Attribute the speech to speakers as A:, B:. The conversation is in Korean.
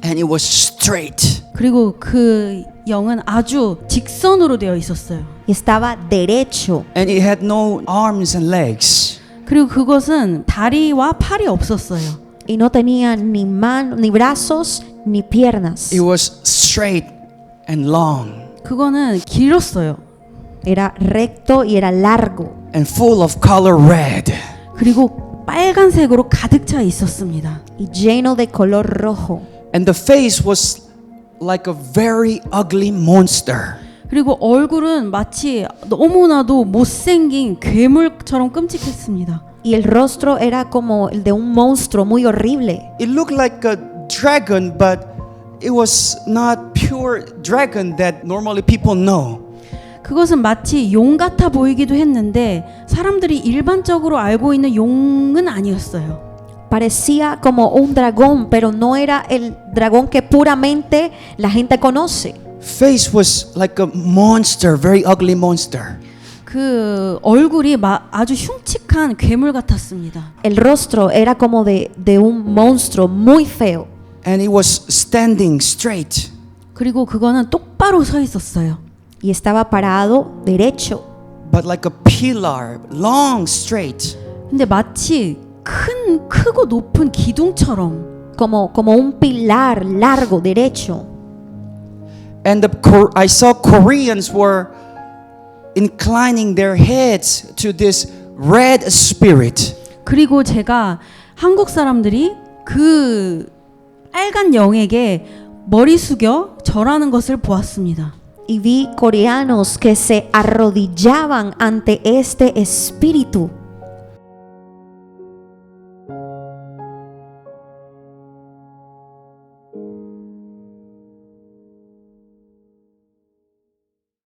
A: and it was straight.
B: 그리고 그 영은 아주 직선으로 되어 있었어요.
C: Estaba derecho.
A: And it had no arms and legs.
B: 그리고 그것은 다리와 팔이 없었어요.
C: Y no tenía ni ni brazos ni piernas.
A: It was straight and long
B: 그거는 길었어요.
C: Era recto y era largo.
A: and full of color red.
B: 그리고 빨간색으로 가득 차 있었습니다.
C: Y lleno de color rojo.
A: And the face was like a very ugly monster.
B: 그리고 얼굴은 마치 너무나도 못생긴 괴물처럼 끔찍했습니다.
C: Y el rostro era como el de un monstruo muy horrible.
A: It looked like a dragon, but it was not pure dragon that normally people know.
B: 그것은 마치 용 같아 보이기도 했는데 사람들이 일반적으로 알고 있는 용은 아니었어요.
C: Parecía como un dragón, pero no era el dragón que puramente la gente conoce.
A: Face was like a monster, very ugly monster.
B: 그 얼굴이 아주 흉측한 괴물 같았습니다.
C: El rostro era como de un monstruo muy feo.
A: And it was standing straight.
B: 그리고 그거는 똑바로 서 있었어요.
C: Y estaba parado derecho.
A: But like a pillar, long, straight.
B: 근데 마치 크고 높은 기둥처럼
C: Como un pilar largo, derecho.
A: And I saw Koreans were inclining their heads to this red spirit.
B: 그리고 제가 한국 사람들이 그 빨간 영에게 머리 숙여 절하는 것을 보았습니다.
C: Y vi coreanos que se arrodillaban ante este espíritu.